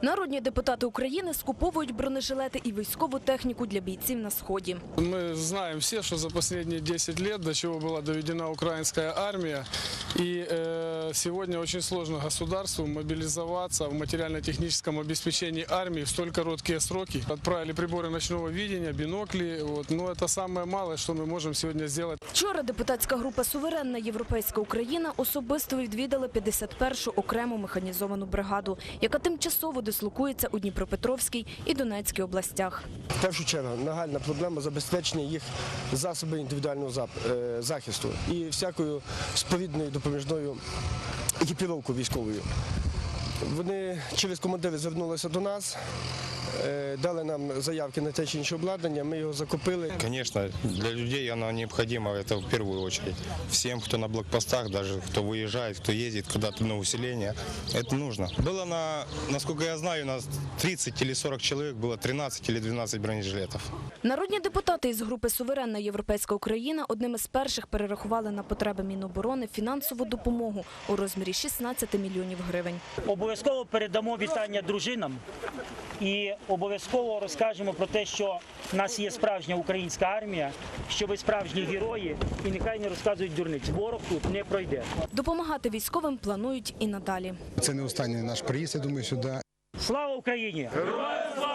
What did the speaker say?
Народні депутати України скуповують бронежилети і військову техніку для бійців на Сході. Мы знаем все, что за последние 10 лет до чего была доведена украинская армия. И сегодня очень сложно государству мобилизоваться в материально-техническом обеспечении армии в столь короткие сроки. Отправили приборы ночного видения, бинокли. Но это самое малое, что мы можем сегодня сделать. Вчора депутатська група «Суверенна Європейська Україна» особисто відвідала 51-шу окрему механізовану бригаду, яка тимчасово дислокується у Дніпропетровській і Донецькій областях. В першу чергу нагальна проблема забезпечення їх засобів індивідуального захисту і всякою сповідною допоміжною екіпіровкою військовою. Вони через командири звернулися до нас, дали нам заявки на те чи інше обладнання, ми його закупили. Конечно, для людей оно необходимо, это в первую очередь. Всем, кто на блокпостах, даже кто выезжает, кто ездит куда-то на усиление, это нужно. Было, насколько я знаю, у нас 30 или 40 человек, было 13 или 12 бронежилетов. Народні депутати із групи «Суверенна Європейська Україна» одним із перших перерахували на потреби Міноборони фінансову допомогу у розмірі 16 мільйонів гривень. Обов'язково передамо вітання дружинам і обов'язково розкажемо про те, що в нас є справжня українська армія, що ви справжні герої, і нехай не розказують дурниць. Ворог тут не пройде. Допомагати військовим планують і надалі. Це не останній наш приїзд, я думаю, сюди. Слава Україні! Героям слава!